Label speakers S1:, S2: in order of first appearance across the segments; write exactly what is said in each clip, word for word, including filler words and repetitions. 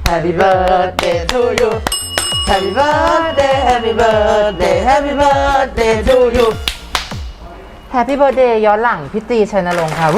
S1: Happy birthday to you Happy birthday Happy birthday Happy birthday to you Happy birthday ย้อนหลังพี่ตีชัยนรงค์ค่ะ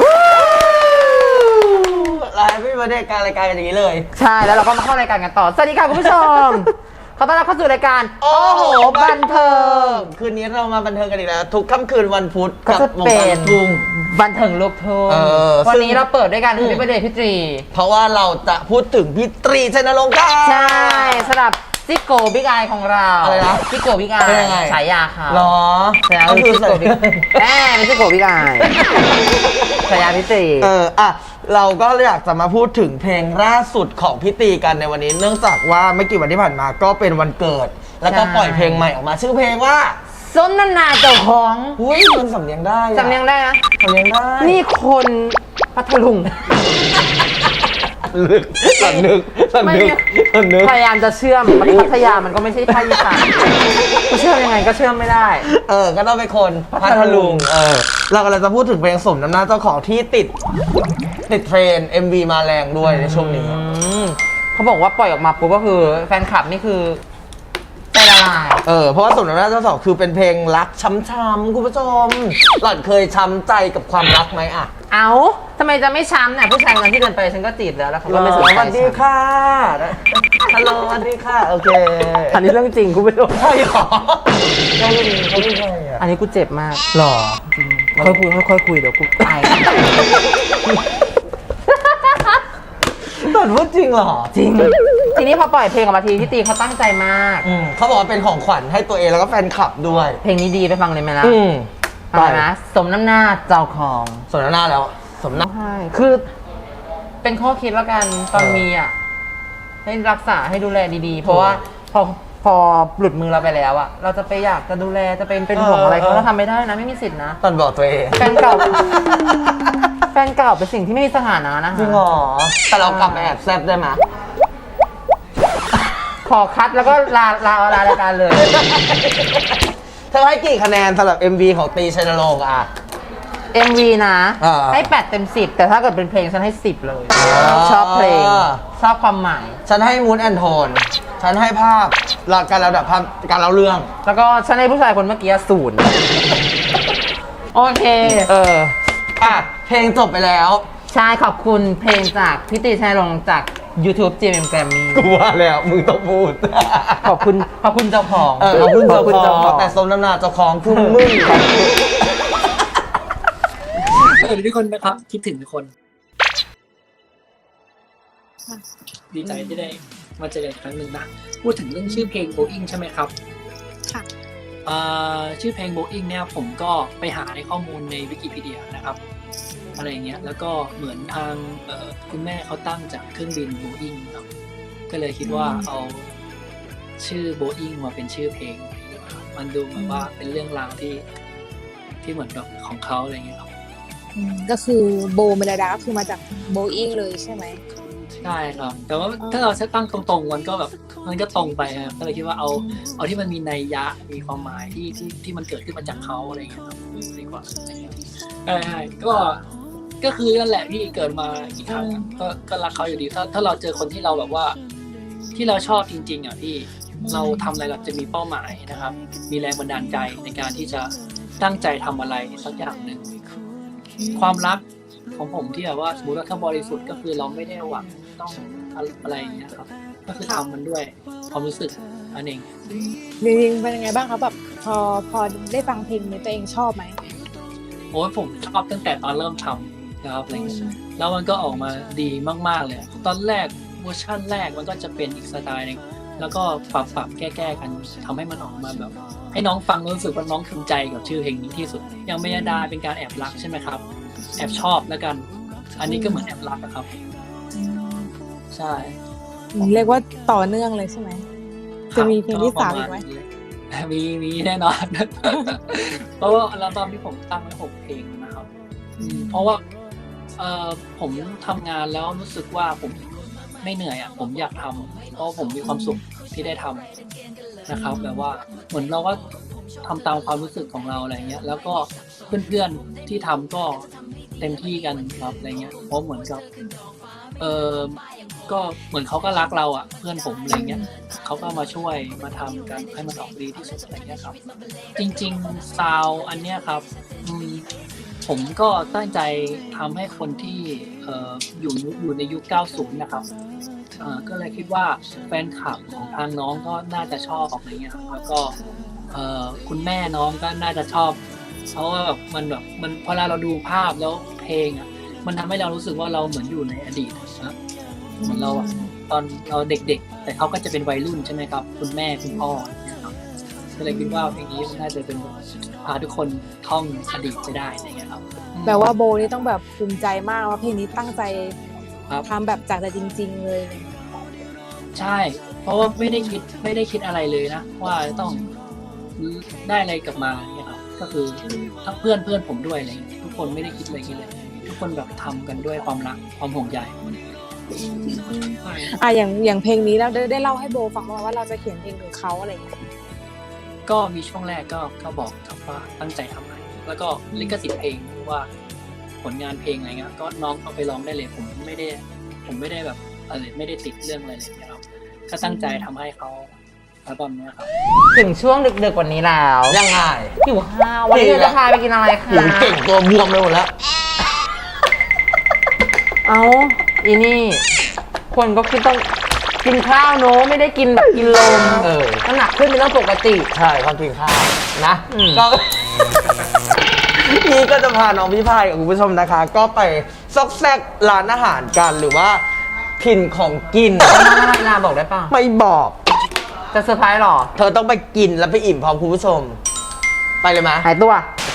S2: ไลฟ์พี่มาได้การรายการกันอย่างนี้เลย
S1: ใช่แล้วเราก็มาเข้ารายการกันต่อสวัสดีค่ะคุณผู้ชมขอต้อนรับเข้าสู่รายการโอ้โหบันเทิง
S2: คืนนี้เรามาบันเทิงกันอีกแล้วทุกค่ำคืนวันพุธ
S1: ก็จะเป็น
S2: ทุ่ง
S1: บันเทิงลูกทุ่งวันนี้เราเปิดด้วยกันคือพี่ประเดชพี่ตรี
S2: เพราะว่าเราจะพูดถึงพี่ตรีชัยนรงค์กัน
S1: ใช่สำหรับซิโกบิ๊กไอของเรา
S2: อะไรนะ
S1: ซิโกบิ๊กไอฉายาค่ะ
S2: หรอ
S1: ใช่ก็คือซิโกบิ๊กแอบเป็นซิโกบิ๊กไอฉายาพี่ตรี
S2: เอออ่ะเราก็อยากจะมาพูดถึงเพลงล่าสุดของพี่ตีกันในวันนี้เนื่องจากว่าไม่กี่วันที่ผ่านมาก็เป็นวันเกิดแล้วก็ปล่อยเพลงใหม่ออกมาชื่อเพลงว่า
S1: สนนานาเจ้าของ
S2: อุ้ยมันสำเนียงได้
S1: สำเนียงได้นะ
S2: สำเนียงได้
S1: นี่คนพัทลุง
S2: ลึกสันนึกสันนึกสันนึก
S1: พยายามจะเชื่อมพัทยามันก็ไม่ใช่ภาคอีสานกูเชื่อมยังไงก็เชื่อมไม่ได้
S2: เออก็ต้องเป็นคนพัทลุงเออเรากำลังจะพูดถึงเพลงสมน้ำหน้าเจ้าของที่ติดติดเทรน เอ็ม วี มาแรงด้วยในช่วงนี้
S1: เขาบอกว่าปล่อยออกมาปุ๊บก็คือแฟนคลับนี่คือใจละลาย
S2: เออเพราะว่าสมน้ำหน้าเจ้าของคือเป็นเพลงรักช้ำๆคุณผู้ชมหล่อนเคยช้ำใจกับความรักไหมอ่ะ
S1: เอ้าทำไมจะไม่ช้ำเนี่ยผู้ชายคนที่เดินไปฉันก็จีบแล้วแล้วเขาก็ไม่สนใจ
S2: สวัสดีค่ะฮัลโหลสวัสดีค่ะโอเค
S1: อันนี้เรื่องจริงคุณผู้ชม
S2: ใช่หรอเขาไม่เขาไม่ใช่อ่ะ
S1: อันนี้กูเจ็บมาก
S2: หรอ
S1: ค่อยคุยค่อยคุยเดี๋ยวกูตาย
S2: ตอนพูดจริงเหรอ
S1: จริงทีนี้พอปล่อยเพลงออกมาทีพี่ตีเขาตั้งใจมาก
S2: เขาบอกว่าเป็นของขวัญให้ตัวเองแล้วก็แฟนคลับด้วย
S1: เพลงนี้ดีไปฟังเลยไหมล่ะไปนะสมน้ำหน้าเจ้าของ
S2: สมน้ำหน้าแล้วสมน้ำ
S1: ใช่คือเป็นข้อคิดแล้วกันตอนมีอ่ะให้รักษาให้ดูแลดีๆเพราะว่าพอพอหลุดมือเราไปแล้วอ่ะเราจะไปอยากจะดูแลจะเป็นเป็นห่วงอะไรเขาเราทำไม่ได้นะไม่มีสิทธินะ
S2: ตอนบอกตัวเอง
S1: แฟนเก่าแฟนเก่าเป็นสิ่งที่ไม่มีสถานะนะ
S2: จริงเหรอแต่เรากลับมาแอบแซบได้ไหม
S1: ขอคัดแล้วก็ลาลาลารายการเลย
S2: เธอให้กี่คะแนนสำหรับ เอ็ม วี ของตีชัยนรงค์อ่ะ
S1: เอ็ม วี นะให้แปดเต็มสิบแต่ถ้าเกิดเป็นเพลงฉันให้สิบเลยชอบเพลงชอบความหมาย
S2: ฉันให้มูดแอนโทนฉันให้ภาพการระดับภาพการเล่าเรื่อง
S1: แล้วก็ฉันให้ผู้ชายคนเมื่อกี้ศูนย์โอเค
S2: เอออ่ะเพลงจบไปแล้ว
S1: ใช่ขอบคุณเพลงจากพี่ตีชัยนรงค์จาก YouTube จี เอ็ม Grammy
S2: กูว่าแล้วมึงต้องพูด
S1: ขอบคุณขอบคุณเจ้าของ
S2: เออขอบคุณเจ้าของแต่สมน้ำหน้าเจ้าของคือมึง
S3: สวัสดีทุกคนนะครับคิดถึงทุกคนดีใจที่ได้มาเจอกันอีกครั้งหนึ่งนะพูดถึงเรื่องชื่อเพลง Boeing ใช่ไหมครับค่ะชื่อเพลง Boeing เนี่ยผมก็ไปหาในข้อมูลในวิกิพีเดียนะครับอะไรเงี้ยแล้วก็เหมือนทางคุณแม่เขาตั้งจากเครื่องบิน Boeing ครับก็เลยคิดว่าเอาชื่อ Boeing มาเป็นชื่อเพลงมันดูเหมือนว่าเป็นเรื่องราวที่ที่เหมือนแบบของเขาอะไรเงี้ยครับ
S4: ก็คือโบเมลดาก็คือมาจากโบอิงเลยใช่ไหม
S3: ใช่ครับแต่ว่าถ้าเราใช้ตั้งตรงๆมันก็แบบมันก็ตรงไปครับก็เลยคิดว่าเอาเอาที่มันมีนัยยะมีความหมายที่ที่ที่มันเกิดขึ้นมาจากเขาอะไรเงี้ยครับดีกว่าใช่ก็ก็คือนั่นแหละที่เกิดมาอีกครั้งก็ก็รักเขาอยู่ดีถ้าถ้าเราเจอคนที่เราแบบว่าที่เราชอบจริงๆอ่ะพี่เราทำอะไรเราจะมีเป้าหมายนะครับมีแรงบันดาลใจในการที่จะตั้งใจทำอะไรสักอย่างหนึ่งความรักของผมที่แบบว่าสมมติว่าถ้าบริสุทธิ์ก็คือเราไม่ได้หวังต้องอะไรอย่างเงี้ยครับก็คือทำมันด้วยความรู้สึกอันเอง
S4: จริงๆเป็นยังไงบ้างครับแบบพอพอได้ฟังเพลงนี้ตัวเองชอบไหม
S3: โอ้ยผมชอบตั้งแต่ตอนเริ่มทำนะครับอะไรเงี้ยแล้วมันก็ออกมาดีมากๆเลยตอนแรกเวอร์ชันแรกมันก็จะเป็นอีกสไตล์นึงแล้วก็ปรับปรับแก้ๆกันทำให้มันออกมาแบบให้น้องฟังรู้สึกว่าน้องภูมิใจกับชื่อเพลงนี้ที่สุดอย่างเมยดาเป็นการแอบรักใช่ไหมครับแอบชอบแล้วกันอันนี้ก็เหมือนแอบรักนะครับใช่
S4: เรียกว่าต่อเนื่องเลยใช่ไหมจะมีเพลงที่สามอีกไหม
S3: มีมีแน่นอนเพราะว่าอัลบั้มที่ผมตั้งไว้หกเพลงนะครับเพราะว่าเอ่อผมทำงานแล้วรู้สึกว่าผมไม่เหนื่อยอ่ะผมอยากทำเพราะผมมีความสุขที่ได้ทำนะครับแบบว่าเหมือนเราก็ทำตามความรู้สึกของเราอะไรเงี้ยแล้วก็เพื่อนๆที่ทำก็เต็มที่กันครับอะไรเงี้ยเพราะเหมือนกับเออก็เหมือนเขาก็รักเราอ่ะเพื่อนผมอะไรเงี้ยเขาก็มาช่วยมาทำกันให้มันออกดีที่สุดอะไรเงี้ยครับ จริงๆซาวอันเนี้ยครับอืมผมก็ตั้งใจทำให้คนที่เอ่ออยู่ยุคอยู่ในยุค เก้าสิบ นะครับเอ่อก็เลยคิดว่าแฟนคลับของทางน้องก็น่าจะชอบอะไรเงี้ยครับแล้วก็เอ่อคุณแม่น้องก็น่าจะชอบเพราะว่าแบบมันแบบมันพอเราดูภาพแล้วเพลงอ่ะมันทำให้เรารู้สึกว่าเราเหมือนอยู่ในอดีตนะเหมือนเราอะตอนเราเด็กๆแต่เขาก็จะเป็นวัยรุ่นใช่ไหมครับคุณแม่คุณพ่อนะครับก็เลยคิดว่าเพลงนี้มันน่าจะเป็นพาทุกคนท่องอดีตไปได้อะไรเงี้ยครับ
S4: แปลว่าโบนี่ต้องแบบภูมิใจมากว่าเพลงนี้ตั้งใจ
S3: ครับ
S4: ทำแบบจากใจจริง ๆ เลย
S3: ใช่ เพราะว่าไม่ได้คิดไม่ได้คิดอะไรเลยนะว่าจะต้องได้อะไรกลับมาเนี่ยครับก็คือทั้งเพื่อนเพื่อนผมด้วยอะไรเงี้ยทุกคนไม่ได้คิดอะไรคิดเลยทุกคนแบบทำกันด้วยความรักความห่วงใย
S4: อ่ะอย่างอย่างเพลงนี้เราได้ได้เล่าให้โบฟังมาว่าเราจะเขียนเพลงถึงเขาอะไรอย่างเงี้ย
S3: ก็มีช่วงแรกก็ก็บอกครับว่าตั้งใจทำอะไรแล้วก็ลิขสิทธิ์เพลงหรือว่าผลงานเพลงอะไรเงี้ยก็น้องเอาไปร้องได้เลยผมไม่ได้ผมไม่ได้แบบอะไรไม่ได้ติดเรื่องอะไรเลยนะครับก็ตั้งใจทำให้เขาอัลบั้มเนี้ยครับ
S1: ถึงช่วงดึกๆวันนี้แล้ว
S2: ยังไง
S1: หิวข้าววันนี้เราจะพาไปกินอะไรคะ
S2: หิวเก่งตัวบวมไปหมดแล้ว
S1: เอาอีนี่ คนก็คิดต้องกินข้าวโน้ไม่ได้กินแบบกินลม
S2: เออ
S1: น้ำหนักขึ้นเป็นเรื่องปกติ
S2: ใช่เขากินข้าวนะ
S1: อืม
S2: ก็ พี่ก็จะพาน้องพี่พายกับคุณผู้ชมนะคะ ก็ไปซอกแซกร้านอาหารกันหรือว่าถิ่นของกิน
S1: จะมาอะไรล่ะบอกได้ป่ะ
S2: ไม่บอก
S1: จะเซอร์ไพรส์หรอ
S2: เธอต้องไปกินแล้วไปอิ่มพร้อมคุณผู้ชม ไปเลยไหม
S1: หายตัว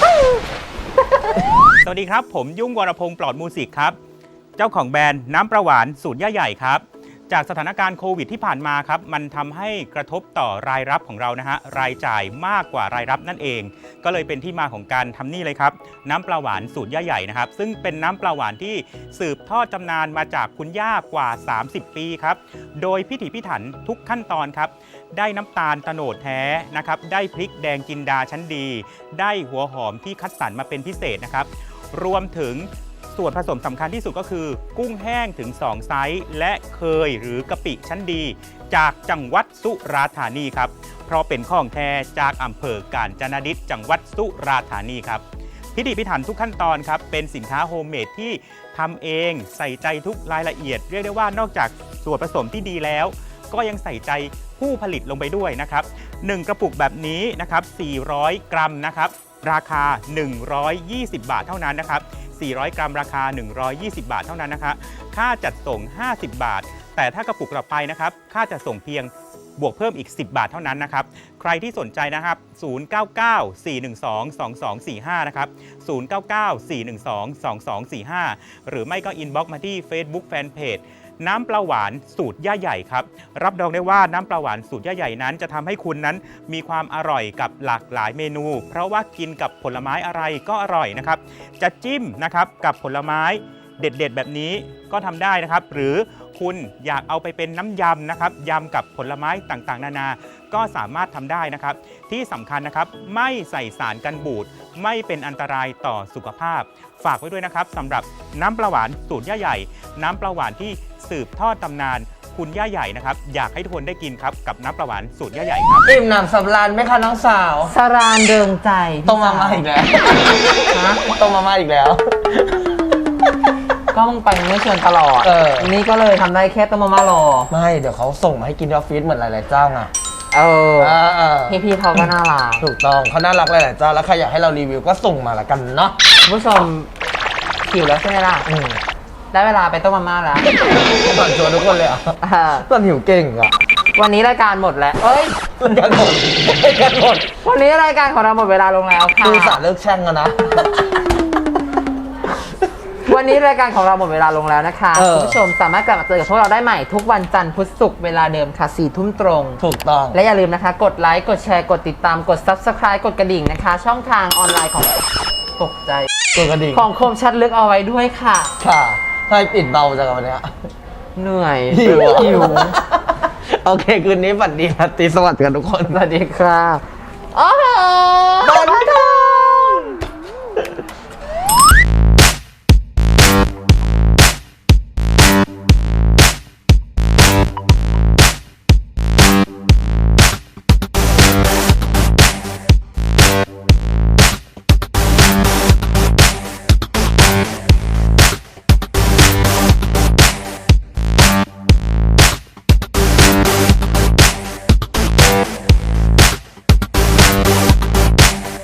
S5: สวัสดีครับ ผมยุ่งวรพงศ์ปลอดมูสิกครับ เจ้าของแบรนด์น้ำประหวานสูตรย่าใหญ่ครับ จากสถานการณ์โควิดที่ผ่านมาครับ มันทำให้กระทบต่อรายรับของเรานะฮะรายจ่ายมากกว่ารายรับนั่นเอง ก็เลยเป็นที่มาของการทำนี่เลยครับ น้ำปลาหวานสูตรย่าใหญ่นะครับ ซึ่งเป็นน้ำปลาหวานที่สืบทอดตำนานมาจากคุณย่ากว่า สามสิบ ปีครับ โดยพิถีพิถันทุกขั้นตอนครับ ได้น้ำตาลโตนดแท้นะครับ ได้พริกแดงจินดาชั้นดี ได้หัวหอมที่คัดสรรมาเป็นพิเศษนะครับ รวมถึงส่วนผสมสำคัญที่สุดก็คือ กุ้งแห้งถึง สอง ไซส์ และเคยหรือกะปิชั้นดี จากจังหวัดสุราษฎร์ธานีครับ เพราะเป็นของแท้จากอำเภอกาญจนดิษฐ์จังหวัดสุราษฎร์ธานีครับ พิถีพิถันทุกขั้นตอนครับ เป็นสินค้าโฮมเมดที่ทำเองใส่ใจทุกรายละเอียด เรียกได้ว่านอกจากส่วนผสมที่ดีแล้ว ก็ยังใส่ใจผู้ผลิตลงไปด้วยนะครับหนึ่งกระปุกแบบนี้นะครับสี่ร้อยกรัมนะครับราคาหนึ่งร้อยยี่สิบบาทเท่านั้นนะครับสี่ร้อยกรัมราคาหนึ่งร้อยยี่สิบบาทเท่านั้นนะคะค่าจัดส่งห้าสิบบาท แต่ถ้ากระปุกต่อไปนะครับค่าจัดส่งเพียงบวกเพิ่มอีกสิบบาทเท่านั้นนะครับใครที่สนใจนะครับศูนย์ เก้า เก้า สี่ หนึ่ง สอง สอง สอง สี่ ห้านะครับศูนย์ เก้า เก้า สี่ หนึ่ง สอง สอง สอง สี่ ห้าหรือไม่ก็อินบ็อกซ์มาที่ Facebook Fanpage น้ำปลาหวานสูตรย่าใหญ่ครับรับรองได้ว่าน้ำปลาหวานสูตรย่าใหญ่นั้นจะทำให้คุณนั้นมีความอร่อยกับหลากหลายเมนู เพราะว่ากินกับผลไม้อะไรก็อร่อยนะครับจะจิ้มนะครับกับผลไม้เด็ดๆแบบนี้ก็ทำได้นะครับหรือคุณอยากเอาไปเป็นน้ำยำนะครับยำกับผลไม้ต่างๆนานาก็สามารถทำได้นะครับที่สำคัญนะครับไม่ใส่สารกันบูดไม่เป็นอันตรายต่อสุขภาพฝากไว้ด้วยนะครับสำหรับน้ำปลาหวานสูตรย่าใหญ่น้ำปลาหวานที่สืบทอดตำนานคุณย่าใหญ่นะครับอยากให้ทุกคนได้กินครับกับน้ำปลาหวานสูตรย่าใหญ่ครับ
S2: อิ่มหนำสำราญไหมคะน้องสาว
S1: สรานเดิงใจ
S2: ต้มมาม่าอีกแล้ว
S1: ฮะ
S2: ต้มมาม่าอีกแล้ว
S1: ก็มึงไปไม่ชวนตลอด
S2: เออ
S1: นี่ก็เลยทำได้แค่ต้มมาม่ารอ
S2: ไม่เดี๋ยวเขาส่งมาให้กินที่ออฟฟิศเหมือนหลายๆเจ้าไง
S1: เออ
S2: เออเออ
S1: พี่ๆเขาก็น่ารัก
S2: ถูกต้องเขาน่ารักหลายๆเจ้าแล้วใครอยากให้เรารีวิวก็ส่งมาละกันเนาะ
S1: คุณผู้ชมหิวแล้วใช่ไหมล่ะ
S2: อืม
S1: ได้เวลาไปต้มมาม่าแล้ว
S2: ตอนชวนทุกคนเลยอ่ะ
S1: เออ
S2: ตอนหิวเก่งอ่ะ
S1: วันนี้รายการหมดแล้ว เอ้ย
S2: กันหมดกันหมด
S1: วันนี้รายการของเราหมดเวลาลงแล้วค่ะ
S2: คือสารเลิกแช่งกันนะ
S1: วันนี้รายการของเราหมดเวลาลงแล้วนะคะ
S2: เออ
S1: คุณผู้ชมสามารถกลับมาเจอกับพวกเราได้ใหม่ทุกวันจันทร์พุธศุกร์เวลาเดิมค่ะสี่ทุ่มตรง
S2: ถูกต้อง
S1: และอย่าลืมนะคะ กดไลค์ กดแชร์ กดติดตาม กด Subscribe กดกระดิ่งนะคะ ช่องทางออนไลน์ของตกใจ
S2: ตัวกระดิ่ง
S1: ของคมชัดลึกเอาไว้ด้วยค่ะ
S2: ค่ะให้ปิดเบาจังวันเนี้ย
S1: เหนื่อย
S2: หิวอะ
S1: หิว
S2: โอเค คืนนี้ฝันดีราตรีสวัสดิ์กันทุกคน
S1: สวัสดีค่ะโอ้โห